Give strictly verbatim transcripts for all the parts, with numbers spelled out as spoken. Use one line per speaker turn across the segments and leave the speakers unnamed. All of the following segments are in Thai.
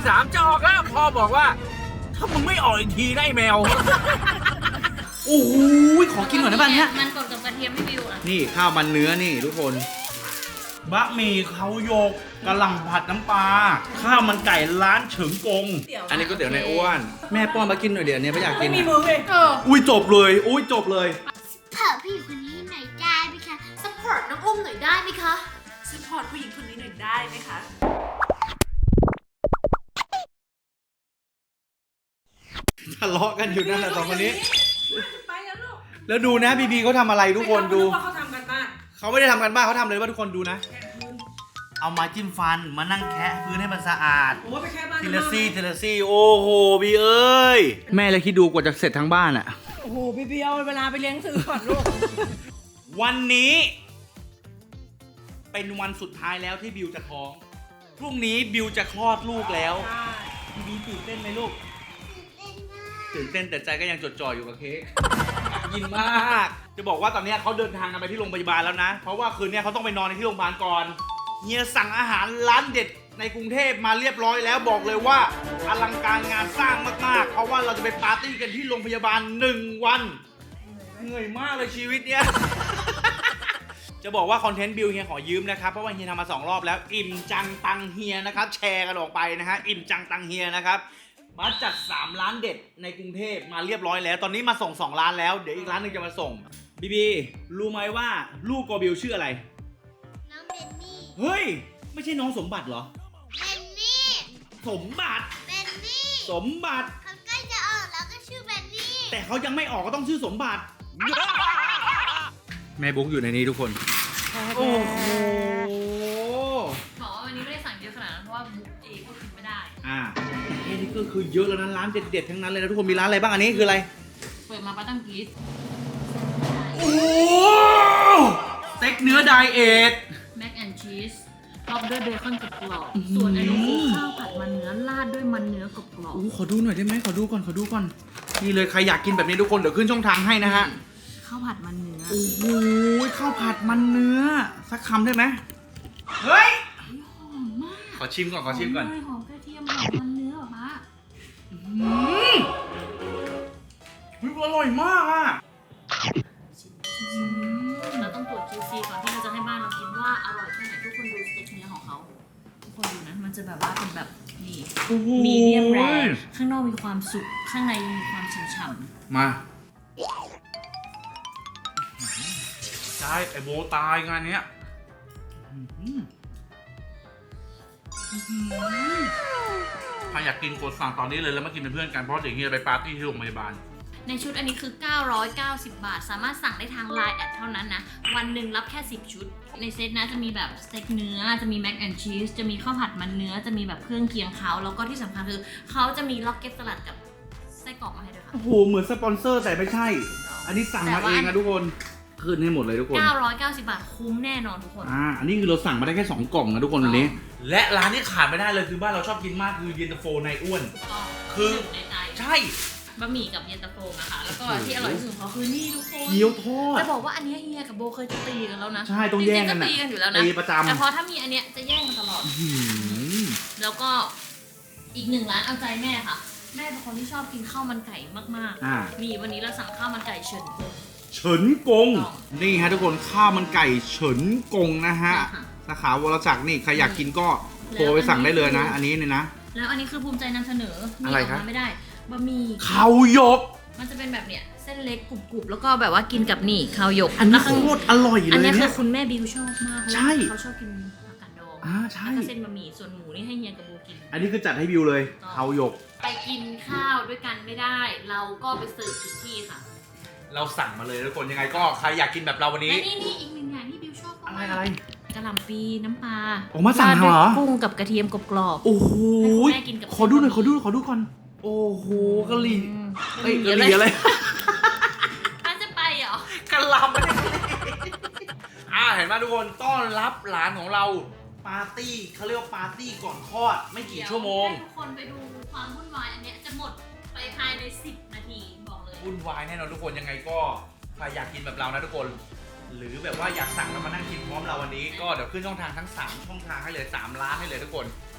สามจะออกแล้วพ่อบอกว่าถ้ามึงไม่ออกอีกทีนะไอ้แมว
โอ้โหขอกินหน่อยได้ป่ะเนี้ย
มันกดกับกระเทียมให้บิวอ่ะ
นี่ข้าวมันเนื้อนี่ทุกคนบะหมี่เขาโยกกะหล่ำผัดน้ำปลาข้าวมันไก่ร้านเฉิงกงอันนี้ก๋วยเตี๋ยวในอ้วนแม่ป้อนมากินหน่อยเดี๋ยวนี้ไม่อยากกิน
ไม่มีมือเลย
เออ
อุ้ยจบเลยอุ้ยจบเลย
เผื่อผู้หญิงคนนี้หน่อยได้ไหมคะสปอร์ตน้องอุ้มหน่อยได้ไหมคะ
สปอร์ตผู้หญิงคนนี้หน่อยได้ไหมคะ
ทะเลาะกันอยู่นั่นแหละสองคนนี้
ไปแล้วลูก
แล้วดูนะบีบีเขาทำอะไรทุกคนดู
ไม่รู้ว่าเขาทำกันบ้าน
เขาไม่ได้ทำกันบ้านเขาทำเลยว่าทุกคนดูนะ
แค่พื้น
เอามาจิ้มฟันมานั่งแคะพื้นให้มันสะอาด
โอ้ไปแค่บ้าน
ทีละซี่ทีละซี่โอ้โหบีเอ้ยแม่เลยคิดดูกว่าจะเสร็จทั้งบ้านอะ
โอ้โหพี่เบียวเวลาไปเลี้ยงซื้อก่อนลูก
วันนี้ เป็นวันสุดท้ายแล้วที่บิวจะท้องพรุ่งนี้บิวจะคลอดลูกแล้วบีบีตื่นเต้นไหมลูกตื่นเต้นแต่ใจก็ยังจดจ่ออยู่กับเค้กยินมาก จะบอกว่าตอนนี้เขาเดินทางกันไปที่โรงพยาบาลแล้วนะ เพราะว่าคืนนี้เขาต้องไปนอนในที่โรงพยาบาลก่อนเฮียสั่งอาหารร้านเด็ดในกรุงเทพมาเรียบร้อยแล้วบอกเลยว่าอลังการงานสร้างมากๆ เพราะว่าเราจะไปปาร์ตี้กันที่โรงพยาบาลหนึ่งวันเหนื่อยมากเลยชีวิตเนี้ย จะบอกว่าคอนเทนต์บิวเฮียขอยืมนะครับเพราะว่าเฮียทำมาสองรอบแล้วอิ่มจังตังเฮียนะครับแชร์กันออกไปนะฮะอิ่มจังตังเฮียนะครับมาจัดสามร้านเด็ดในกรุงเทพมาเรียบร้อยแล้วตอนนี้มาส่งสองร้านแล้วเดี๋ยวอีกร้านหนึงจะมาส่งบีบีรู้ไหมว่าลูกกอบิวชื่ออะไร
น้องเบนนี่
เฮ้ยไม่ใช่น้องสมบัติเหรอ
เบนนี่
สมบัติ
เบนนี่
สมบัติ
เขาใกล้จะออกแล้วก็ชื่อเบนนี่
แต่เขายังไม่ออกก็ต้องชื่อสมบัติ แม่บุ๊กอยู่ในนี้ทุกคนโอ้โห
บอกว่าวันนี้ไม่ได้สั่งเยอะขนาดนั้นเพราะว่าบุ๊กเองก็กินไม่ได้
อ่าแค่นี้ก็คือเยอะแล้วนะร้านเด็ดๆทั้งนั้นเลยนะทุกคนมีร้านอะไรบ้างอันนี้คืออะไร
เปิดมาป้าตั้งกรีซ
โอ้โหสเต็กเนื้อไดเอท
แม็กแอนด์ชีสท็อปด้วยเบคอนกรอบๆส่วนอันนี้คือข้าวผัดมันเนื้อราดด้วยมันเนื้อกรอบ
โอ้ขอดูหน่อยได้ไหมขอดูก่อนขอดูก่อนนี่เลยใครอยากกินแบบนี้ทุกคนเดี๋ยวขึ้นช่องทางให้นะฮะ
ๆข้าวผัดมันเนื้อ
โอ้โหข้าวผัดมันเนื้อสักคำได้ไหมเฮ้ย
หอมมาก
ขอชิมก่อนขอชิมก่อน
หหอมกระเทียมหอมมันเนื้อเหรอคะ
อืมอร่อยมากอ่ะ
เราต้องตรวจ คิว ซี ก่อนที่เราจะให้บ้านเรากินว่าอร่อยแค่ไหนทุกคนดูสเต็กเนื้อของเขาทุกคนดูนะมันจะแบบว่าเป็นแบบนี่
โอ้โห
มีเดียมแรร์ข้างนอกมีความสุกข้างในมีความฉ่ำ
มาใช่ไอโบตายงานเนี้ยใครอยากกินกดสั่งตอนนี้เลยแล้วมากินเป็นเพื่อนกันเพราะเดี๋ยวเฮียไปปาร์ตี้ที่โรงพยาบาล
ๆในชุดอันนี้คือเก้าร้อยเก้าสิบบาทสามารถสั่งได้ทาง ไลน์ แอดเท่านั้นนะวันหนึ่งรับแค่สิบชุดในเซตนะจะมีแบบสเต็กเนื้อจะมีแม็กแอนด์ชีสจะมีข้าวผัดมันเนื้อจะมีแบบเครื่องเคียงเขาแล้วก็ที่สำคัญคือเขาจะมีล็อกเก็ตสลัดกับไส้กรอกมาให้ด้วยค่ะ
โอ้โหเหมือนสปอนเซอร์แต่ไม่ใช่ อันนี้สั่งมาเองนะทุกคนขึ้นให้หมดเลยทุกคน
เก้าร้อยเก้าสิบบาทคุ้มแน่นอนทุกคน
อ่า อันนี้คือเราสั่งมาได้แค่สองกล่องนะทุกคนวันนี้ และร้านที่ขาดไม่ได้เลยคือบ้านเราชอบกินมากคือเย็นตาโฟในอ้วน คือ
ในใจ
ใช่
บะหมี่กับเย็นตาโฟนะคะแล้วก็ที่อร่อยที่สุดของเขาคือนี่ทุกคน
เกี๊ยวทอด
จะบอกว่าอันเนี้ยเฮียกับโบเคยจะตีกันแล้วนะ
ใช่ต้องแย่งกัน
จ
นะ
ริงๆก็ตีกันอยู่แล้วนะ
ตีประจำ
แต่พอถ้ามีอันเนี้ยจะแย่งกันตลอด
หืม
แล้วก็อีกหนึ่งร้านเอาใจแม่ค่ะ แม่เป็นคนที่ชอบกินข้าวมันไก่มาก
อ่า
ๆนี่วันนี้เราสั่งข้าวมันไก่เฉินกง
เฉินกง นี่ฮะทุกคนข้าวมันไก่เฉินกงนะฮะ
ใช่ค่ะ
สาขาวรจักรนี่ใครอยากกินก็โทรไปสั่งได้เลยนะ อันนี้เนี่ยนะ
แล้วอันนี้คือภูมิใจนำเสนอมี
อะไร
ออก
ครับ
มาไม่ได้บะหมี่
ข้าวหยก
มันจะเป็นแบบเนี้ยเส้นเล็กกรุบๆแล้วก็แบบว่ากินกับนี่ข้าวหยก
อันนี้
แล้ว
โค
ข้าง
ตรอร่อยเลย
อันนี้คื
เนี่
อย คุณแม่บิวชอบมาก
ใช่
เขาชอบกินผักกาดดอง
อ่าใช่
แล้วก็เส้นบะหมี่ส่วนหมูนี่ให้เฮียกับโบกิน
อันนี้คือจัดให้บิวเลยข้าวหยก
ไปกินข้าวด้วยกันไม่ได้ เราก็ไปเสิร์ฟถึงที่ค่ะ
เราสั่งมาเลยทุกคนยังไงก็ใครอยากกินแบบเราวันนี้
และนี่นี่อีกหนึ่งอย่างที่บิวชอบ
อะไร
มาก
อะไร
กะหล่ำปีน้ำปลา
ออกมาสั่งเหรอ
ราดด้วยกุ้งกับกระเทียมกรอบ
โอ้โห
ให้คุณแม่กินกับ
ขอดูหน่อยขอดูขอดูก่อนโอ้โหกะหรี่
อืม
เอ้ยกะหรี่อะไร
มันจะไปเหรอก
ะหล่ำไม่ได้กะหรี่อ่าเห็นไหมทุกคนต้อนรับหลานของเราปาร์ตี้เขาเรียกว่าปาร์ตี้ก่อนคลอดไม่กี่ชั่วโมง
ให้ทุกคนไปดูความวุ่นวายอันเนี้ยจะหมดไปภายในสิบนาทีบอกเลย
วุ่นวายแน่นอนทุกคนยังไงก็ใครอยากกินแบบเรานะทุกคน หรือแบบว่าอยากสั่งแล้วมานั่งกินพร้อมเราวันนี้ก็เดี๋ยวขึ้นช่องทางทั้งสามช่องทางให้เลยสามร้านให้เลยทุกคน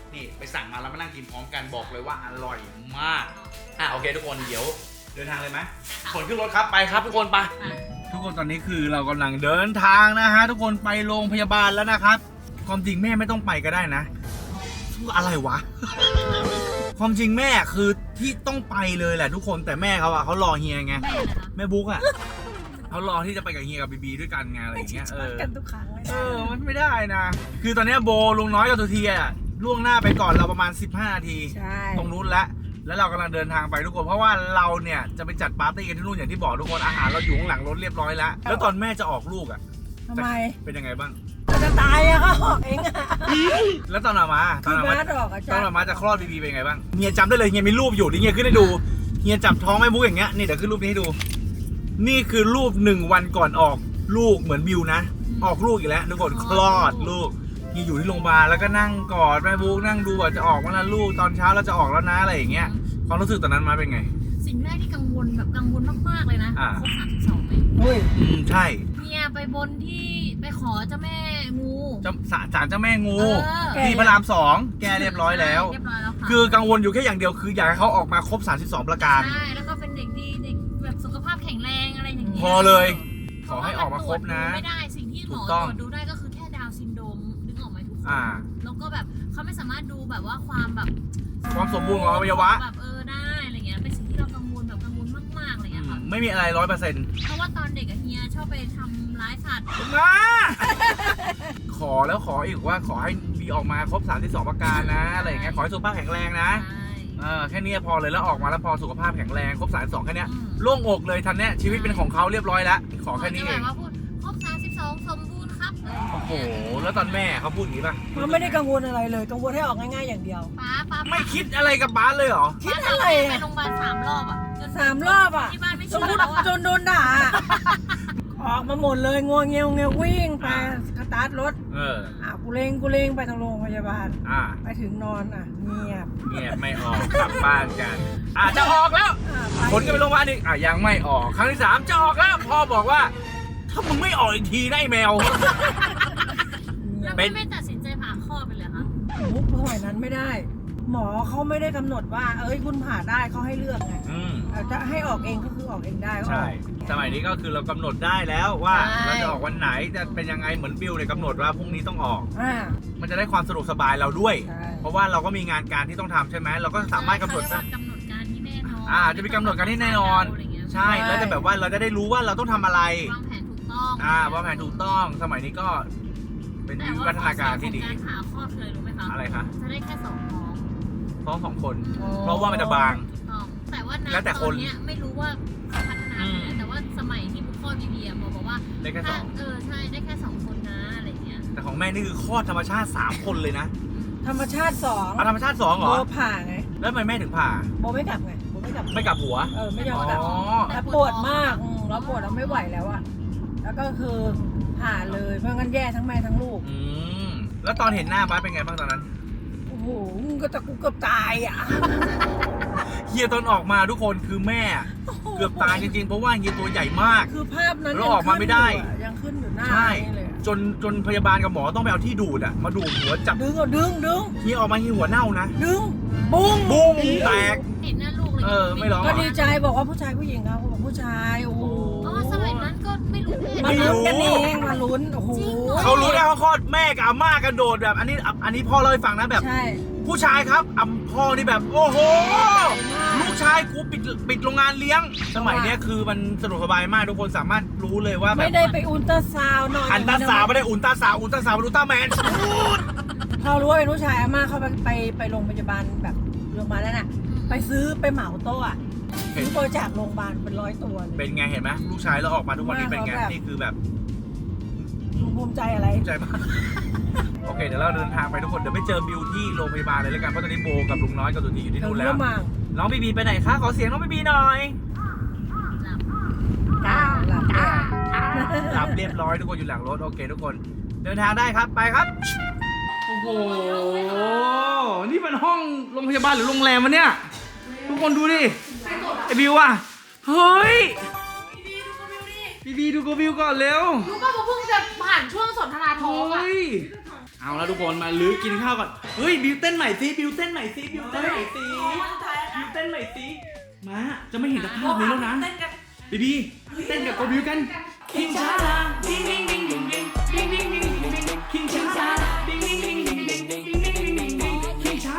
นี่ไปสั่งมาแล้วมานั่งกินพร้อมกันบอกเลยว่าอร่อยมากอ่ะโอเคทุกคนเดี๋ยวเดินทางเลยไหมขนขึ้นรถครับไปครับทุกคนไปทุกคนตอนนี้คือเรากำลังเดินทางนะฮะทุกคนไปโรงพยาบาลแล้วนะครับความจริงแม่ไม่ต้องไปก็ได้นะอะไรวะ ความจริงแม่คือที่ต้องไปเลยแหละทุกคนแต่แม่เขาอะเขารอเฮียไง
แม่เหรอคะ
แม่บุ๊กอะเขารอที่จะไปกับเฮียกับบีบีด้วยกันไงอะไรอย่างเงี้ยเออ
กันทุกครั้งเลย
เออมันไม่ได้นะคือตอนเนี้ยโบลุงน้อยกับตัวทีอะล่วงหน้าไปก่อนเราประมาณสิบห้านาที
ใช่
ตรงนู้นแล้วแล้วเรากำลังเดินทางไปทุกคนเพราะว่าเราเนี่ยจะไปจัดปาร์ตี้กันที่นู่นอย่างที่บอกทุกคนอาหารเราอยู่ข้างหลังรถเรียบร้อยแล้วแล้วตอนแม่จะออกลูกอะ
ทำไม
เป็นยังไงบ้าง
มันจะตายอะเขาออกเองอะ
แล้วตอนออกมาต
คื
อน
อ
ออก
บ้า
มา
ดอกอะ
ต
จ้ะ
อนออกมาจะคลอดบีบีเป็นยังไงบ้างเฮียจำได้เลยเฮียมีรูปอยู่นี่เฮียขึ้นให้ดูเฮียจับท้องแม่บุ๊กอย่างเงี้ยนี่เดี๋ยวขึ้นรูปนี้ให้ดู นี่คือรูปหนึ่งวันก่อนออกลูกเหมือนบิวนะ ออกลูกอีกแล้วทุกคนคลอดลูกเฮียอยู่ที่โรงพยาบาลแล้วก็นั่งกอดแม่บุ๊กนั่งดูว่าจะออกวันละลูกตอนเช้าเราจะออกแล้วนะอะไรอย่างเงี้ยความรู้สึกตอนนั้นมาเป็นไง
สิ่งแรกที่กังวลแบบกังวลมากๆเลยนะ
อ่า
ครบสามสิบสองไหม
อุ้ย
อืมใช่
เนี่ยไปบนที่ไปขอเจ้าแม่งู
เจ้าศาลเจ้าแม่งู
เออ
ที่พระรามสองแกเรียบร้อยแล้ว
เรียบร้อยแล้วค่ะ
คือกังวลอยู่แค่อย่างเดียวคืออยากให้เขาออกมาครบสามสิบสองประการ
ใช่แล้วก็เป็นเด็กดีเด็กแบบสุขภาพแข็งแรงอะไรอย่างเงี้ย
พอเลย ขอให้ออกมาครบนะ
ไม่ได้สิ่งที่หมอ
ถูก
ต
ต้
ร
อง
วจดูได้ก็คือแค่ดาวน์ซินโดรมนึกออกไหมทุกคน
อ่า
แล้วก็แบบเขาไม่สามารถดูแบบว่าความแบบ
ความสมบูรณ์ของอวัยวะ
แบบเออได้อะไรเงี้ยเป็นสิ่งที่เรากังวลแบบกังวลมากๆอะไรเงี้ยค่ะ
ไม่มีอะไรร้อยเปอร์เซ็นต์
เพราะว่าตอนเด็กอะเฮียชอบไปทำร้ายสัตว์
มาขอแล้วขออีกว่าขอให้บีออกมาครบสามที่สองประการนะอะไรอย่างเงี้ยขอให้สุขภาพแข็งแรงนะ
ใช่
เออแค่นี้พอเลยแล้วออกมาแล้วพอสุขภาพแข็งแรงครบสามสองแค่เนี้ย
อืม
โล่งอกเลยทันเนี้ยชีวิตเป็นของเขาเรียบร้อยแล้วขอแค่นี้เอง
หมจะแบบว่าพูดครบสามสิบสองสมบูรณ์ครับ
โอ้โหแล้วตอนแม่เขาพูดอย่างนี้ป่ะ
มันไม่ได้กังวลอะไรเลยกังวลให้ออกง่ายๆอย่างเดียว
ป้าป้า
ไม่คิดอะไรกับบ้านเลยเหรอ
คิดอะไร
ไป
อะ
โรงพยาบาลสามรอบอะจน
สามรอบอะ
ที่บ้านไม่
ส
เชื่
ม
อ
มติ
แล้วอะ
จนโดนด่าอะออกมาหมดเลยงวงเงียวเงียววิ่งไปสตาร์ทรถ
เออ
อ่ะกูเลงกูเลงไปทางโรงพยาบาล
อ่า
ไปถึงนอนอ่ะเงียบ
เงียบไม่ออกกลับบ้านกันอ่ะจะออกแล้ว
อ่ะไป
คนก็ไปโรงพยาบาลอีกอ่ะยังไม่ออกครั้งที่สามจะออกแล้วพ่อบอกว่า ถ้ามึงไม่ออกอีกทีนะไอ้แมว
แล้ว
เป็
ไม่
น
ไม่ตัดสินใจผ่าคลอดไปเลยคะ
มุกสมัยนั้นไม่ได้ หมอเขาไม่ได้กำหนดว่า เอ้ยคุณผ่าได้เขาให้เลือกไง
อืม
เอาจะให้ออกเองก็คือออกเองได้ก็อ
ใช่
อก
สมัยนี้ก็คือเรากำหนดได้แล้วว่า
ใช่
เราจะออกวันไหนจะเป็นยังไงเหมือนบิลเลยกำหนดว่าพรุ่งนี้ต้องออก
อ่า
มันจะได้ความสะดวกสบายเราด้วย
ใช่
เพราะว่าเราก็มีงานการที่ต้องทำใช่ไหมเราก็สามารถกำหนด
เข
ได้
เรียกว่ากำหนดการที่แน่นอน
อ่าจะมีกำหนดการที่แน่นอน
ะไรเงี้ย
ใช่แล้วจะแบบว่าเราจะได้รู้ว่าเราต้องทำอะไร
วางแผนถูกต้อง
อ่าวางแผนถูกต้องสมัยนี้ก็เป็น
แต่
วิ
ว่า
วัฒนาการที่ดี
ข้อเสียของการผ่าคลอดเลยรู้ไหมคะ
อะไรคะ
จะได้แค่สองท้อง
ท้องสองคน
อ๋อ
เพราะว่ามันจะบาง
ถูกต้องแต่ว่า
แล้วแต่
ณ
ค
ตอน นเนี้ยไม่รู้ว่าเขาพัฒนา
อื
ไป
ม
ไหนแต่ว่าสมัยที่บุคคลบีบีอะหมอบอกว่า
ได้แค่ส
ถ้า
อง
เออใช่ได้แค่สองคนนะอะไรเงี้ย
แต่ของแม่นี่คือคลอดธรรมชาติสามคนเลยนะ
ธรรมชาติสอง
เอาธรรมชาติสองเหร
โบ
อ
ผ่าไง
แล้วทำไมแม่ถึงผ่า
โบไม่กลับไงโบไม่กลับ
ไม่กลับหัว
เออไม่ยอมกลับ
อ๋อ
แล้วปวดมากอืมแล้วปวดแล้วไม่ไหวแล้วอะแล้วก็คือผ่าเลยเพราะงั้นแย่ทั้งแม่ทั้งลูก
อืมแล้วตอนเห็นหน้าบ้านเป็นไงบ้างตอนนั้น
โอ้โหมึงก็ตะกุกเกือบตายอะ
เฮียตอนออกมาทุกคนคือแม่ เกือบตายจริงๆ เพราะว่าเฮียตัวใหญ่มาก
คือภาพนั้น
แล้วออกมาไม่ได้
ยังขึ้นอยู่หน้า
ใช่
นี่เลยอะ
จนจนพยาบาลกับหมอต้องไปเอาที่ดูดอะมาดูดหัวจับ
ดึงเอาดึงดึง
เฮียออกมาเฮียหัวเน่านะ
ดึงบุ้ง
บุ้งแตก
เห็นหน้าลูกเลย
เออไม่ร้อง
ก็ดีใจบอกว่าผู้ชายผู้หญิงครับเขาบอกผู้ชายโอ้โห
อ๋อสมัยนั้นก็ไม่รู้เพศ
มา
ไม่รู้
ลุ้นกันเองมาลุ้นโอ้โห
จริงเหรอ
เขารู้ได้ว่าคลอดแม่กับอาม่ากระโดดแบบ อันนี้อันนี้พ่อเล่าให้ฟังนะแบบ
ใช่
ผู้ชายครับอำพ่อนี่แบบโอ้โห ลูกชายกูปิดปิดโรงงานเลี้ยง สมัยเนี้ยคือมันสะดวกสบายมากทุกคนสามารถรู้เลยว่าแบ
ไม่
บ
ได้ไปอุลตราซาวน์หน่อย
อันตราสาวด์ไม่ได้อุลตราสาวด์อุลตราสาวด์เป็นอุลตร้าแมน
พอรู้ว่าเป็นผู้ชายอาม่าเขาไปไปไปโรงพยาบาลแบบโรงพยาบาลนั่นน่ะไปซื้อไปเหมาโต๊ะอะซื้อบริจาคโรงพยาบาลเป็นร้อยตัวเลย
เป็นไงเห็นไหมลูกชายแล้วออกมาทุกวันนี้เป็นไง
ว่าเขาแบบ
นี่คือแบบ
ภูมิใจอะไร
ภูมิใจมาก โอเคเดี๋ยวเราเดินทางไปทุกคนเดี๋ยวไปเจอบิวที่โรงพยาบาลเลยแล้วกันเพราะตอนนี้โบกับลุงน้อยกับตุตีอยู่ที่
เดี๋ยว
นู่นแล้
เรื่
ว
องมัง
น้องบีบีไปไหนคะขอเสียงน้องบีบีหน่อย
จ้าหลับแล้ว
หลับเรียบร้อยทุกคนอยู่หลังรถโอเคทุกคนเดินทางได้ครับไปครับโอ้โหนี่เป็นห้องโรงพยาบาลหรือโรงแรมวะเนี่ยทุกคนดูดิไอ้บิวอะเฮ้ยบีบีดูกับบิวก่อนเร็ว
รู้ป่ะว่าเพิ่งจะผ่านช่วงสนทนาท้องอะ
เฮ้ยเอาแล้วทุกคนมาลื้อกินข้าวก่อนเฮ้ยบิวเต้นใหม่สิบิวเต้นใหม่สิบิวเต้นใหม่สิบิวเต้นใหม่สิมาจะไม่เห็นสภาพนี้แล้วนะบีบีเต้นกับโกบิวกันคิงช้าดิ้งดิ้งดิ้งดิ้งดิ้งดิ้งดิ้งดิ้งดิ้งดิ้งคิงช้าดิ้งดิ้งดิ้งดิ้งดิ้งดิ้งดิ้งดิ้งดิ้งดิ้งคิงช้า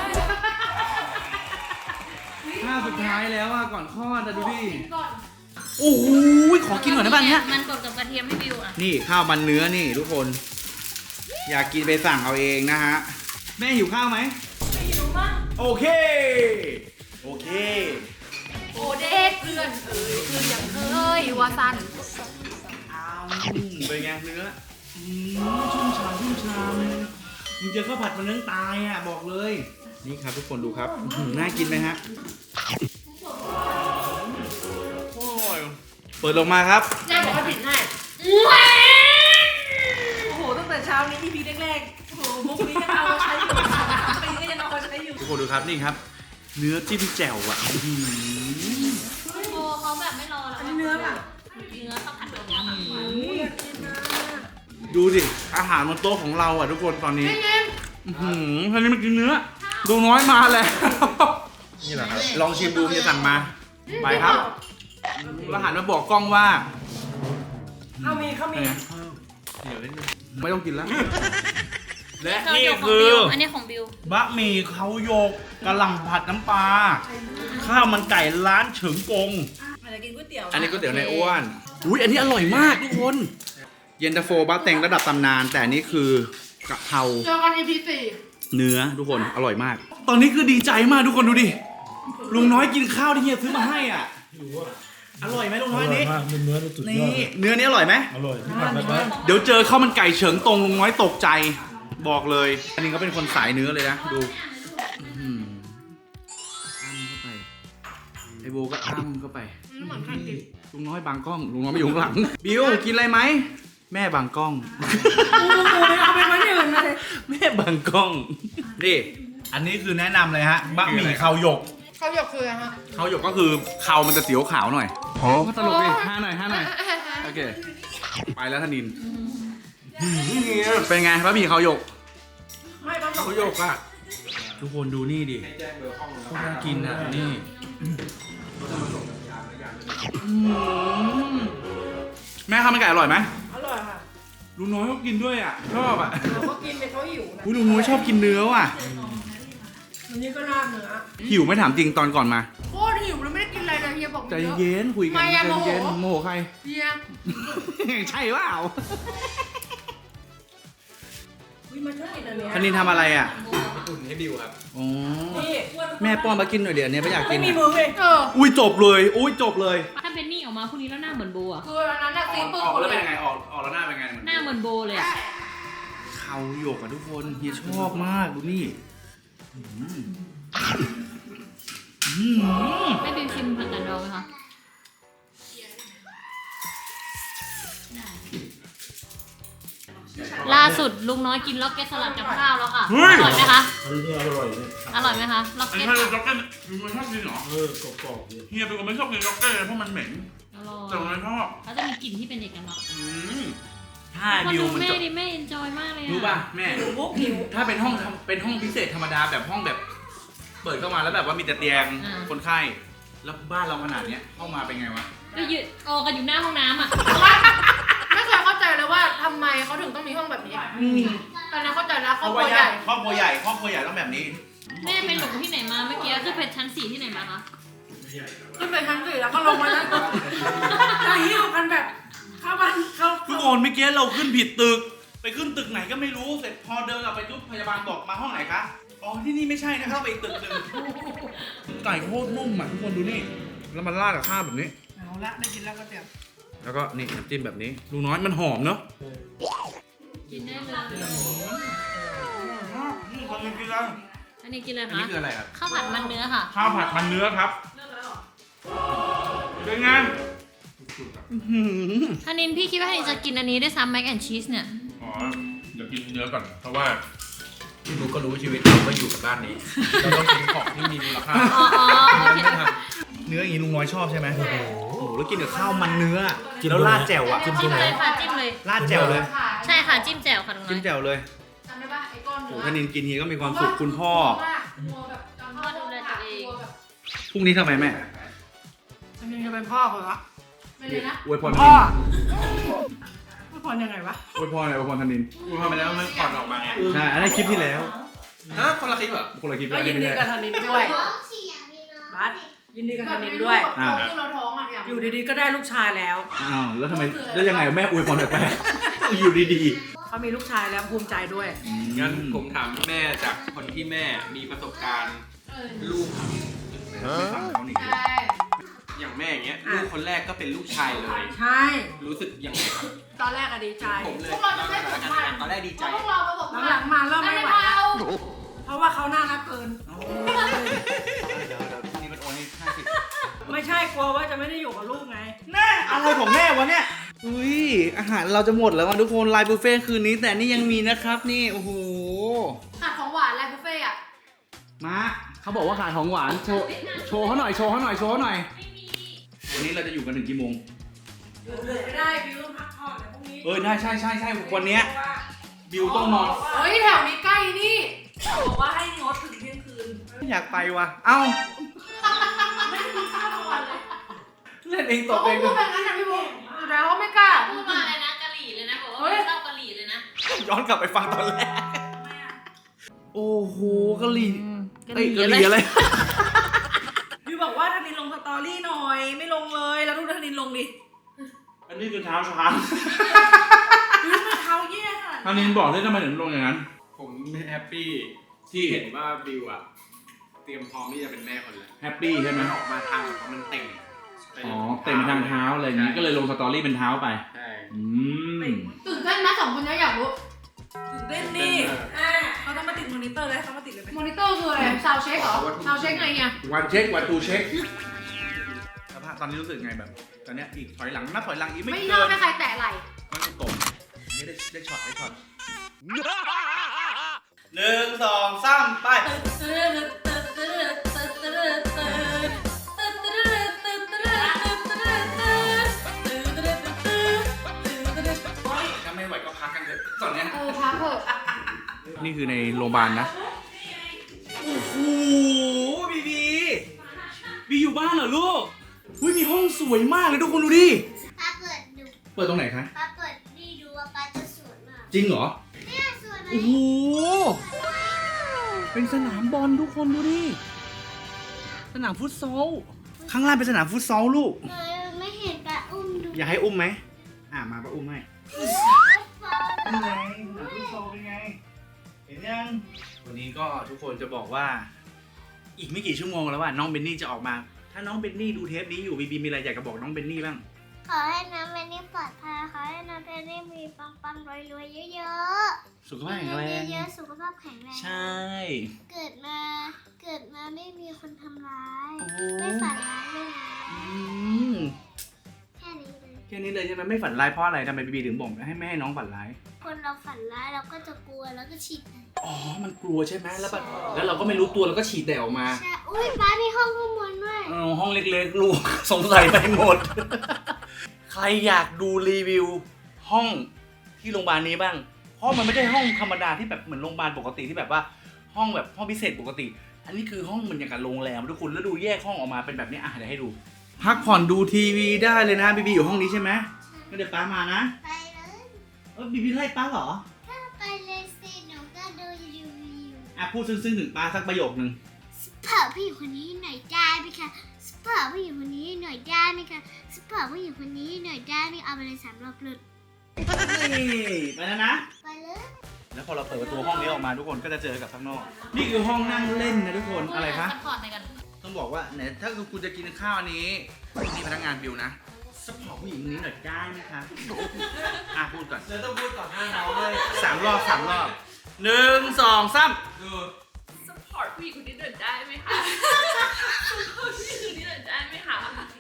ท่าสุดท้ายแล้วอ่ะก่อนคลอดนะดูดิโอ้โหขอกินก่อนได้ป่ะเนี้ย
มันกดกับกระเทียมให้บิวอ่ะ
นี่ข้าวมันเนื้อนี่ทุกคน อยากกินไปสั่งเอาเองนะฮะแม่หิวข้าวไหมไม่หิวมั้งโอเคโอเค
โอเด็กเพื่อนเอ้ยคืออย่างเอ้ยวาซัน
อ้าวเป็นไงเนื้ออืมชุ่มฉ่ำชุ่มฉ่ำมึงเจอข้าวผัดมันเนื้อตายอ่ะบอกเลยนี่ครับทุกคนดูครับอื้อหือน่ากินไหมฮะโอ้ยเปิดลงมาครับ
แม่บอกว่าผิดให้โอ้โหตั้งแต่เช้านี้ อี พี แรกๆโอ้โหมุกนี้ยังเอามาใช้อยู่ปีก็ยังเอามาใช้อยู่
ทุกคนดูครับนี่ครับ เนื้อจิ้มแจ่วอ่ะอื้อหือ
โบเขาแบบไม่รอแล้ว
อันนี้เนื้อป่ะ
เนื้อข้าวผัดแบบนี้ค่ะ
ดูสิอาหารบนโต๊ะของเราอ่ะทุกคนตอนนี้อื้อหือท่านี้มันกินเนื้อดูน้อยมาแล้วนี่แหละครับลองชิมดูจะสั่งมาไปครับแล้วหันมาบอกกล้องว่า
ข้าวมีข้าวมี
ไม่ต้องกินแล้ว และ
นี่
นี่
ของ
คือ
บิวอันนี้ของบิว
บะหมี่เขาโยกกะหล่ำผัดน้ำปลาข้าวมันไก่ร้านเฉิงกง
อาจจะกินก๋วยเตี๋ยว
อันนี้ก๋วยเตี๋ยวในอ้วนอุ้ยอันนี้อร่อยมากทุกคนเย็นตาโฟบะเต็งระดับตำนาน แต่อันนี้คือกะเพรา
เจอกัน อี พี สี่
เนื้อทุกคนอร่อยมาก ตอนนี้คือดีใจมากทุกคนดูดิลุงน้อยกินข้าวที่เฮียซื้อมาให้อ่ะอร่อยไหมลุงน้อยอันนี้
มากเป็นเนื้อสุดย
นี่
อด
เนื้อนี้อร่อยไหม
อร่อยที่ผัดแบบว่า
เดี๋ยวเจอข้าวมันไก่เฉิงตรงลุงน้อยตกใจบอกเลย อันนี้เขาเป็นคนสายเนื้อเลยนะดูอื้อหืออ้ำเข้าไปไอโบก็อ้ำเข้าไปลุงน้อยบางกล้องลุงน้อยไม่อยู่ข้างหลังบิวกินอะไรไหมแม่บางกล้อง
เอาไปไว้ที่อื่นมาเลย
แม่บางกล้องนี่อันนี้คือแนะนำเลยฮะบะหมี่เขาหยก
เขาหยกคืออะไรฮะ
เขาหยกก็คือเขามันจะเสียวขาวหน่อยก็ตลกดิห้าหน่อยห้าหน่อยโอเคไปแล้วธนินเป็นไงบะหมี่เขาหยก
ไม่ต้อง
เขาหยกอ่ะทุกคนดูนี่ดิโคตรน่ากินอ่ะนี่อืมแม่ข้าวมันไก่อร่อยไหม
อร่อยค่ะ
ลุงน้อยก็กินด้วยอ่ะชอบอ่ะ
เราก็กินไปเขาหิวนะ
อุ้ยลุงน้อยชอบกินเนื้อว่ะ
อันนี้ก็ราดเนื้อ
หิวไม่ถามจริงตอนก่อนมา
โคตรหิวแล้วไม่ได้กินอะไรเลยเฮียบอก
ใจเย็นคุยกัน
ไม่
ใจ
อะโมโห
เย็นโมโหใคร
เฮีย
ใช่เปล่า
วิมันชอบกินอันเนี้ย
คณินทำอะไรอ่ะ
อุ่นให้บิวครับ
อ๋อ
นี่
แม่ป้อนมากินหน่อยเดี๋ยวอันนี้ไม่อยากกิ
ไม่
น
มี
อะ
มือเลย
เออ
อุ้ยจบเลยอุ้ยจบเลย
ถ้าเป็นนี่ออกมาพวกนี้แล้วหน้าเหมือนโบอ่ะ
คืออันนั้นอะซีปื้
ออกแล้วเป็นยังไงออกออกแล้วหน้าเป็นไง
หน้าเหมือนโบเลยอ่ะ
เขาหยกอ่ะทุกคนเฮียชอบมากดูนี่อืมอืม
ให้บิวชิมผัดกันดองไหมคะล่าสุดลุงน้อยกินล็อกเก็ตสลัดกับข้าวแล้วค่ะ อร่อยไหมคะ
อันนี้อร่อยเลย
อร่อยไหมคะล็อก
อัน
เก็
นี้
ต
ถ้าล็อกเก็ตมันชอบกินเหรอ
เออกรอบๆเลย
เฮียเป็นคนไม่ชอบกินล็อกเก็ตเพราะมันเหม็น
อร่อย
แต่มันชอบ
เขาจะมีกลิ่นที่เป็นเอกลักษณ์
อืมถ้า
คน
บิว
ดู
มัน
แม่
จะ
ดิแม่เอนจอยมากเลยอะ
รู้ป่ะแม่
หิวมุกหิว
ถ้าเป็นห้องเป็นห้องพิเศษธรรมดาแบบห้องแบบ เปิดเข้ามาแล้วแบบว่ามีแต่เตียงคนไข้แล้วบ้านเราขนาดเนี้ยเข้ามาเป็นไงวะ
ก็ยืนออกกันอยู่หน้าห้องน้ำอ่ะ
ไม่เคยเข้าใจเลยว่าทำไมเขาถึงต้องมีห้องแบบนี้ตอนนี้เข้าใจแล้วครอบครัวใหญ่
ครอบครัวใหญ่ครอบครัวใหญ่ต้องแบบนี้
แม่ไปหลงที่ไหนมาเมื่อกี้คือเป็นชั้นสี่ที่ไหนมาคะ
ขึ้นไปชั้นสี่แล้วก็ลงมาชั้นสอง
จะหิวกันแบบเข้าบ้านเข้า
ทุกคนเมื่อกี้เราขึ้นผิดตึก ไปขึ้นตึกไหนก็ไม่รู้เสร็จพอเดินกลับไปทุบพยาบาลบอกมาห้องไหนคะอ๋อที่นี่ไม่ใช่นะเข้าไปอีกตึกหนึ่งไก่โคตรนุ่มอ่ะทุกคนดูนี่แล้วมันราดกับข้าวแบบนี้
เอาละได้กินแล้วก็เตี๋ยว
แล้วก็นี่น้ำจิ้มแบบนี้ลุงน้อยมันหอมเนอะ
กินได้เลย
นี่คนกินแล้ว
อันนี้กินอะไร
อัน
คะ
นี้คืออะไรครับ
ข้าวผัดมันเนื้อค่ะ
ข้าวผัดมันเนื้อครับเป็นไง
ธนินพี่คิดว่าธนินจะกินอันนี้ได้วยซ้ำแม็กแอนชีสเนี่ย
อ๋อเดี๋ยวกินเนื้อก่อน เพราะว่า
ลูกก็รู้ชีวิตเราก็อยู่กับบ้านนี้ เราต้องกินของที่มีมูลค่า
อ๋ออ๋อโอเค
เนื้ออย่างนี้ลุงน้อยชอบใช่ไหมโอ้โหแล้วกินกับข้าวมันเนื้อแล้วราดแจ่วอ่ะ
จิ้มเลยค่ะจิ้มเลย
ราดแจ่วเลย
ใช่ค่ะจิ้มแจ่วค่ะลุงน้
จิ้
อ
ม
ย
แจ่วเลย
ท
โอ้ธนินกินเฮียก็มีความสุขคุณพ่อ
กลัวแบบจำพ่อดูแลตัวเองแบบ
พรุ่งนี้ทำไมแม่
อันนี้จะเป็นพ่อคนละ
ไม่เลยนะ
อวยพรธ
พ่
นิ
อน พ่อยังไงวะ
อวยพรอะไรอวยพรธนิน
กูทำไปแล้วมันก่อนออกมาไง
ใช่อันนั้นคลิปที่แล้ว
ฮะคนละคลิปเหรอ
คนละคลิป
ก็
แล้ว
ยินดี
ไม่
กับ
ใช่
ธนินด้วย
ท้อง
บัสยินดีกับ
แบ
ธ
บ
นิ
นี้
น
ด้
ด้
ว
วย ย
อ่ะเราท้องอ่ะอยาก
อยู่ดีๆก็ได้ลูกชายแล้ว
อ้าวแล้วทำไมแล้วยังไงแม่อวยพรแปลกๆอยู่ดี
เขามีลูกชายแล้วภูมิใจด้วย
ๆ
งั้นผมถามแม่จากคนที่แม่มีประสบการณ์
เออ
ลูก
ไม่ฟังเขาหนิ
ใช่
อย่างแม่อย่างเงี้ย
อ่ะ
ลูกคนแรกก็เป็นลูกชายเลย
ใช่
รู้สึกยังไงครับ
ตอนแรกอะดีใจ
ผมเลย
พวกเราจะไม่สมมาตร
ตอนแรกดีใจ
พวกเราประสบ
หลังๆมาเริ่ม
ไม่
ไม่
ไห
ไห
ว
วแล้ว เพราะว่าเขาน่ารักเกิน
เดี๋ยวเดี๋ยวพรุ่งนี้มันโอนให้ห้าสิบ
ไม่ใช่กลัวว่าจะไม่ได้อยู่กับลูกไง
แน่อะไรของแม่วะเนี่ย อุ้ยอาหารเราจะหมดแล้วว่ะทุกคนไลน์บุฟเฟ่ต์คืนนี้แต่นี่ยังมีนะครับนี่โอ้โห
ขาดของหวานอะไรบุฟเฟ่อะ
มาเขาบอกว่าขายของหวานโชว์โชว์เขาหน่อยโชว์เขาหน่อยโชว์เขาหน่อยวันนี้เราจะอยู่กันถึงกี่โมง
อยู่เลยไม่ได้บิวต้องพักผ่อนนะพรุ่งนี้
เออได้ใช่ใช่ใช่วันเนี้ยบิวต้องนอน
เฮ้ยแถวนี้ใกล้นี่
บอกว่าให้งดถึงเที่ยงคืน
อยากไปว่ะเอ้า
ไม่ได้กินข้าวทั้งวันเลย
เล่นเองต
เขา
กเอง
พูดแบบนั้นนะพี่บุ๊คแต่เขาไม่กล้า
พูดมาเลยนะกะหรี่เลยนะบอกว่าไม่ชอบกะหรี่เลยนะ
ย้อนกลับไปฟังตอนแรกโอ้โหกะหรี่
กะห
เอ้ย
รี่
กะหรี่อะไร
บิวบอกว่าธนินลงสตอรี่หน่อยไม่ลงเลยแล้วดูธนินลงดิ
อันนี้คือเท้าช้าง
บิวมาเท้าแย่ค่ะ
ทางนี้บอกได้ทำไมถึงลงอย่างนั้น
ผมแฮปปี้
ที่
ที่เห็นว่าบิวอะเตรียมพร้อมที่จะเป็นแม่คนแรก
แฮปปี้ใช่ไหม
มันออกมาทางมันเต่ง
อ๋อเต็มทางเท้าอะไรอย่างนี้ก็เลยลงสตอรี่เป็นเท้าไป
ใช่
อืม
ตื่นเต้นนะสองคนนี้อยากรู้
ตื่นเต้นดิอ่าเขาต้องมาติดมอนิเตอร์เลยเขามาติดเลยไหม
มอนิเตอร์คืออะไรซาวเช็คเหรอซาวเช็คไงเนี่ย
วันเช็ควันตูเช็คสภาพตอนนี้รู้สึกไงแบบ ตอนเนี้ยอีกถอยหลังนับถอยหลังอีกไม่
ไม่ช
เกิ
อบ
น
ให้ใครแตะไหล่
มันตกนี่ได้ได้ช็อตได้ช็อตหนึ่งสองสามไป
ถ้าไม่ไหวก็พักกันเถอะตอนเนี้ย
เออพักเถอะ
นี่คือในโรงพยาบาลนะ โอ้โหบีบีบีอยู่บ้านเหรอลูกอุ้ยมีห้องสวยมากเลยทุกคนดูดิ
ป้าเปิดดู
เปิดตรงไหนคะ
ป้าเปิดดีดูว่าป้าจะสวยมาก
จริงเหรอ
เนี่ยสวยไหม
โอ้โห เป็นสนามบอลทุกคนดูดิ สนามฟุตซอล ข้างล่างเป็นสนามฟุตซอลลูก
เออไม่เห็นป้าอุ้มดู
อยากให้อุ้มไหม อ่ามาป้าอุ้มให้
ป้า
เป็นไงสนามฟุตซอลเป็นไง เห็นยัง วันนี้ก็ทุกคนจะบอกว่า อีกไม่กี่ชั่วโมงแล้วว่าน้องเบนนี่จะออกมา ถ้าน้องเบนนี่ดูเทปนี้อยู่บีบีมีอะไรอยากจะบอกน้องเบนนี่บ้าง
ขอให้น้ำเป็นนี่ปลอดภัยขอให้น้ำเป็นนี่มีปังปังรวยรวยๆเยอะ
สุข
ๆ
ภาพแข็งแรง
เยอะๆสุขภาพแข็งแรง
ใช่
เกิดมาเกิดมาไม่มีคนทำร้าย
โอ้
ไม่ฝันร้ายด้วยนะ
อืม
แค่นี้เลย
แค่นี้เลยใช่ไหมไม่ฝันร้ายเพราะอะไรทำไมบีบีถึงบอกให้ไม่ให้น้องฝันร้าย
คนเราฝันร้ายเราก็จะกลัวแล้วก็ฉีด
อ๋อ มันกลัวใช่ไหมแล้วแบบแล้วเราก็ไม่รู้ตัวแล้วก็ฉีดแต่ออกมา
ใช่อุ้ยป้ามีห้องข้างบนด้วย
เออห้องเล็กๆ ลูก สงสัยไปหมด ใครอยากดูรีวิว ห้องที่โรงพยาบาลนี้บ้าง เพราะมันไม่ใช่ห้องธรรมดาที่แบบเหมือนโรงพยาบาลปกติที่แบบว่าห้องแบบห้องพิเศษปกติ อันนี้คือห้องเหมือนอย่างกับโรงแรมทุกคนแล้วดูแยกห้องออกมาเป็นแบบนี้อ่ะเดี๋ยวให้ดู พักผ่อนดูทีวีได้เลยนะบีบีอยู่ห้องนี้ใช่ไหมงั้นเดี๋ยวป้ามานะ
ไปเลย
เออบีบีไล่ป้าเหรอ
ไปเลยสิหนูก็ดูรีวิว
อ่ะพูดซึ้งๆถึงป้าสักประโยคนึง
สปอร์ตผู้หญิงคนนี้หน่อยได้ไหมคะสปอร์ตผู้หญิงคนนี้หน่อยได้ไหมคะสปอร์ตผู้หญิงคนนี้หน่อยได้ไหมเอาไปเลยสามรอบเลย
นี่ไปแล้วนะ
ไปเลย
แล้วพอเราเปิดประตูห้องนี้ออกมาทุกคนก็จะเจอกับข้างนอก นี่คือห้องนั่งเล่นนะทุกคน อะไรคะ
ซัพพอร์ตในกัน
ต้องบอกว่าไหนถ้าคุณจะกินข้าวอันนี้นี่พนักงานบิวนะสปอร์ตผู้หญิงคนนี้หน่อยได้ไหมคะอ่ะพูดก่อน
เธอต้องพูดต่อหน้าน้องเลย
สามรอบสามรอบหนึ่งสองสาม
ดู
ซัพพอร์ตผู้หญิงคนนี้หน่อยได้ไหมคะซัพพอร์ตผู้หญิงคนนี้หน่อยได้ไหมคะ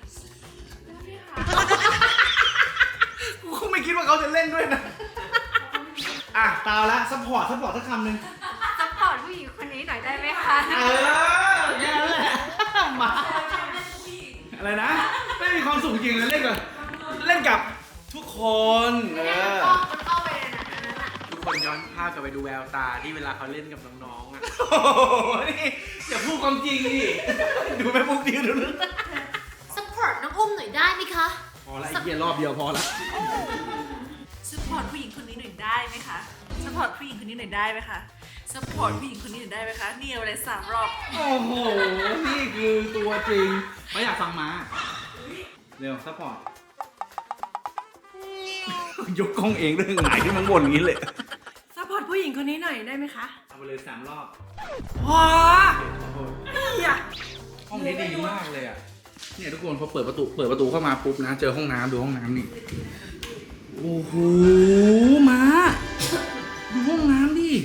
กูคงไม่คิดว่าเขาจะเล่นด้วยนะอ่ะตาวละสปอร์ตสปอร์ตสักคำหนึ่ง
ซัพพอร์ตผู้หญิงคนนี้หน่อยได้ไหมคะ
เออแค่นั้นแหละมาอะไรนะไม่มีความสุขจริงเลยเล่นกับเล่นกับทุกคนเออ
มันเข้าไปในนั้นน่ะ
ทุกค
คนย้อนภาพกลับไปดูแววตาที่เวลาเขาเล่นกับน้องๆอ่ะ
โอ้โหนี่อย่าพูดความจริงดิดูแม่ปุ๊บดิวดูนึก
ซัพพอร์ตน้องอุ้มหน่อยได้ไหมคะ
พอละไอ้เกียรอบเดียวพอละ
ซัพพอร์ตผู้หญิงคนนี้หน่อยได้ไหมคะซัพพอร์ตผู้หญิงคนนี้หน่อยได้ไหมคะซัพพอร์ตผู้หญิงคนนี้หน่อยได้ไหมคะนี่เอาอะไรสามรอบ
โอ้โหนี่คือตัวจริงไม่อยากฟังมาเร็วซัพพอร์ตยกกล้องเองเรื่องไหนที่มันบ่นอย่างนี้เลย
ซัพพอร์ตผู้หญิงคนนี้หน่อยได้ไหมคะ
เอาไปเลยสามรอบ
ว้าอย่า
ห้องนี้ดีมากเลยอ่ะเนี่ยทุกคนพอเปิดประตูเปิดประตูเข้ามาปุ๊บนะเจอห้องน้ำดูห้องน้ำนี่โอ้โหมาดูห้องน้ำดิ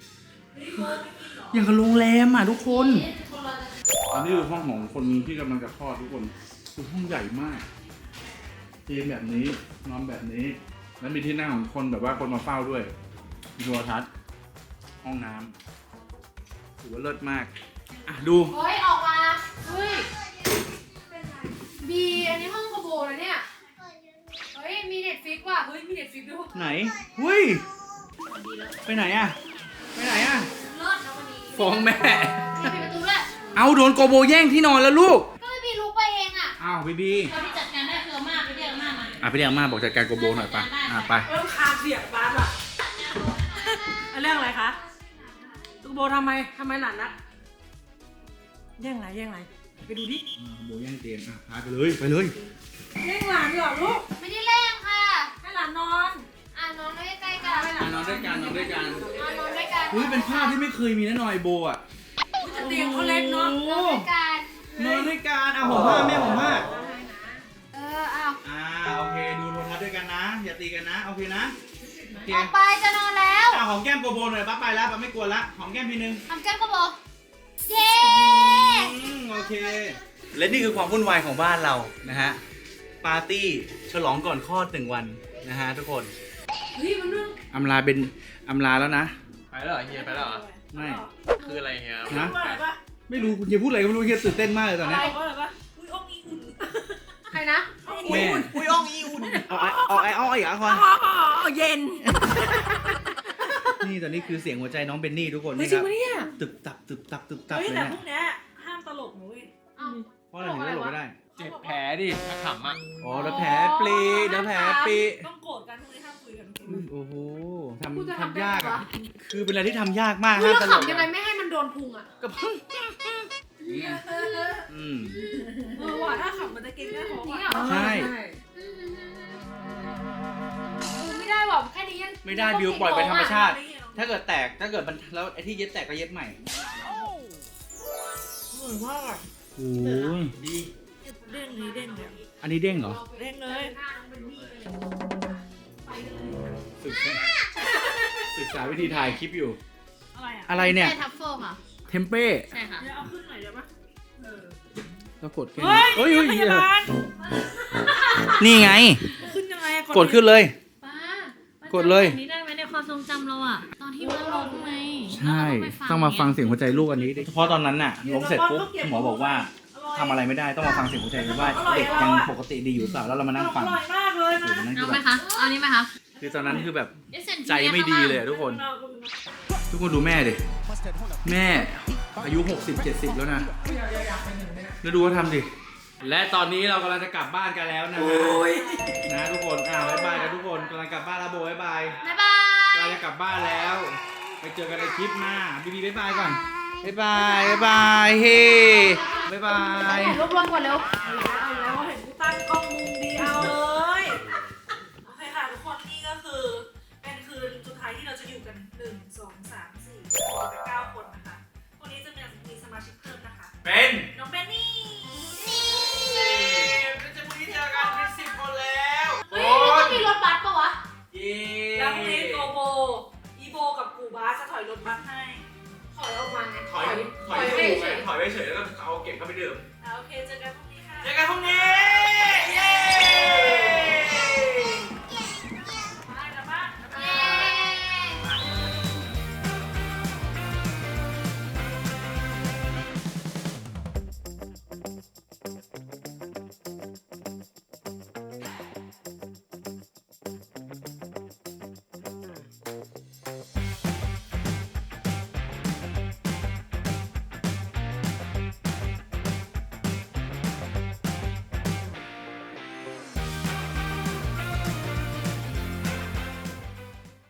อย่างกับโรงแรมอ่ะทุกคนอันนี้คือห้องของคนที่กำลังจะคลอดทุกคนคือห้องใหญ่มากเตียงแบบนี้นอนแบบนี้แล้วมีที่นั่งของคนแบบว่าคนมาเฝ้าด้วยมีโทรทัศน์ห้องน้ำถือว่าเลิศมากอ่ะดู
เฮ้ย ออกมา เฮ้ย บี อันนี้ห้องกระโบนะเนี่ย เฮ้ย มีเน็ตฟิกว่ะ เฮ้ย มีเน็ตฟิกด้วย
ไหนเฮ้ยไปไหนอะไปไหนอะ
เลิศนะวันนี้
ฟ้องแม่
มีปิดประตูด้วย
เอาโดนโกโบแย่งที่นอนแล้วลูก
ก็ไม่บีลุกไปเองอ่ะ
อ้าวบีบี
เราที่จัดการได้คือเอามาไปเรียกอามามา
อ่ะไปเรียกอาม่าบอกจัดการโกโบหน่อยไปอ่ะไป
เริ่มคาเสียงบ้านว่ะเรื่องอะไรคะตุกโบทำไมทำไมหลานนักแย่งไหนแย่งไหนไปดูดิ
โกโบแย่งเตียงอ่ะพาไปเลยไปเลย
แย่งหลานเหรอลูก
ไม่ได้เล่นค่ะ
ให้หลานนอน
อ่ะนอนด้วยใกล้ๆกัน
อ่ะนอนด้วยกันนอนด้วยกัน
อ่ะนอนด้วยกัน
เฮ้ยเป็นภาพที่ไม่เคยมีแน่นอนไอโบอ่ะ
แต่เตียงเขาเล็กเนาะ
โอ้
นอนด้วยกัน
นอนด้วยกันอ่ะผมผ้าแม่ผมผ้า
เออเอา
อ่าโอเคดูโทรทัศน์ด้วยกันนะอย่าตีกันนะโอเคนะโอเค
ออกไปจะนอนแล้ว
อ่ะหอมแก้มโกโบหน่อยป้าไปแล้วป้าไม่กลัวละหอมแก้มทีนึง
ทำแก้มกระโบเย้
อืมโอเค และนี่คือความวุ่นวายของบ้านเรานะฮะ ปาร์ตี้ฉลองก่อนคลอดหนึ่งวันนะฮะทุกคน
เฮ้ยมันนึง
อำลาเป็นอำลาแล้วนะ
ไปแล้วเหรอเฮียไปแล้วเหรอ
ไม่
คืออะไรเฮีย
นะ ไม่รู้คุณจะพูดอะไรก็ไม่รู้เฮียตื่นเต้นมากเลยตอนเนี้ย
ใครนะ
แม่อุ้ยอ่องอีอุ่นเอาไอ้เอาไอ้เอาไอ้อะคอน
อ๋อเย็น
นี่ตอนนี้คือเสียงหัวใจน้องเบนนี่ทุกคน
ไม่
นี่
จ
ค
ริง
รับ
ปะเนี่ย
ตึบตับตึบตับตึบตับ
เฮ้ย
เลย
แต่
เนี่ย
พวกเนี้ยห้ามตลกนะเว้ย
อ้าว
เพราะอะไรถึงจะหลบไม่ได้
เจ็บแผลดิถ้าขำอ่ะ
อ๋อเดี๋ยวแผลปลีเดี๋ยวแผลปลี
ต้องโกรธกันพวกนี้ห้ามคุยกัน
อุ้ยโอ้โห
กูจะ
ทำ
ทำ
ทำยาก
ได้
อ่ะ
ไงวะ
คือเป็นอะไรที่ทำยากมาก
เฮ้ย
ห้าม
เรา
ตลก
ขำยังไง
อะ
ไม่ให้มันโดนพุงอ่ะ
ก็เพิ่งอืม
เออว่ะถ้าขำมันจะเก่งได้หรอ
จริง
วะ
เหรอ
ใช่
ไม่ได้หรอกแค่นี้ยัง
ไม่ได้บิวปล่อยไปธรรมชาติ ถ้าเกิดแตกถ้าเกิดมันแล้วไอ้ที่เย็บแตกก็เย็บใหม่
เหมือนว่า
โอ้ย
เด้งนี้เด้งเลย
อันนี้เด้งเหรอ
เด้งเลย
ศึกษาศึกษาวิธีถ่ายคลิปอยู่
อะไรอ่ะ
อะไรเนี่ย
ใช่ทัฟเฟิลค่ะ
เทมเป้
ใช่ค่ะ
เดี๋ยวเอาขึ้นหน่อยเดี๋ยวปะเออ
แล้วกดแค่
เฮ้ย
เฮ้ยเฮ้ย
พยาบาล
นี่ไง
ขึ้นยังไงอะ
กดขึ้นเลย
ป้าป้าก
ดเลย
จำแบบนี้ได้ไหมในความทรงจำเราอะตอนที่มันล้มไง
ใช่ต้องมาฟังเสียงหัวใจลูกอันนี้ดิเพราะตอนนั้นน่ะล้มเสร็จปุ๊บหมอบอกว่าทำอะไรไม่ได้ต้องมาฟังเสียงหัวใจดูว่าเด็กยังปกติดีอยู่หรือเปล่าแล้วเรามานั่งฟัง
อร่อยมากเลย
โอ้
นะ
โหนั่นคื
เอา
อ
ไหม
แบบ
คะ เอานี้ไหมคะ
คือตอนนั้นคือแบบ
เดี๋ยวเซ็น
ใจไม่ดีเลยอะทุกคน ทุกคนดูแม่ดิ แม่อายุ หกสิบ เจ็ดสิบ แล้วนะ แล้วดูว่าทำดิ และตอนนี้เรากำลังจะกลับบ้านกันแล้วนะฮะนะทุกคน อ่าบ๊ายบายกันทุกคนกำลังกลับบ้านแล้วโบบ๊ายบาย
บ๊ายบาย
เราจะกลับบ้านแล้ว ไปเจอกันในคลิปหน้าบีบีบ๊ายบายก่อนบ๊ายบายบ๊ายบายเฮ้บ๊ายบาย
รวบรวมก่อนเร็ว
เอาแล้วเห็นกูตั้งกล้องมุมเดียวเลยโอเคค่ะทุกคนนี่ก็คือเป็นคืนสุดท้ายที่เราจะอยู่กันหนึ่งสองสามสี่เป็นเก้าคนนะคะวันนี้จะมีมีสมาชิกเพิ่มนะคะ
เป็น
น้องเบนนี่
เป็นจะพรุ่งนี้เจอกันเป็นสิบคนแล้ว
เฮ้ยมันต้องมีรถบัสปะวะ
เย้
แล้วพรุ่งนี้โกโบ อีโบกับกูบาสจะถอยรถบัสให้
ถอยออกมาไง
ถอยถอย
ไป
ไป
เฉย
ถอยไปเฉยแล้วก็เอาเก็บเข้าไปดื่ม
อ่ะโอเคเจอกันพรุ่งนี้ค่ะ
เจอกันพรุ่งนี้ เย้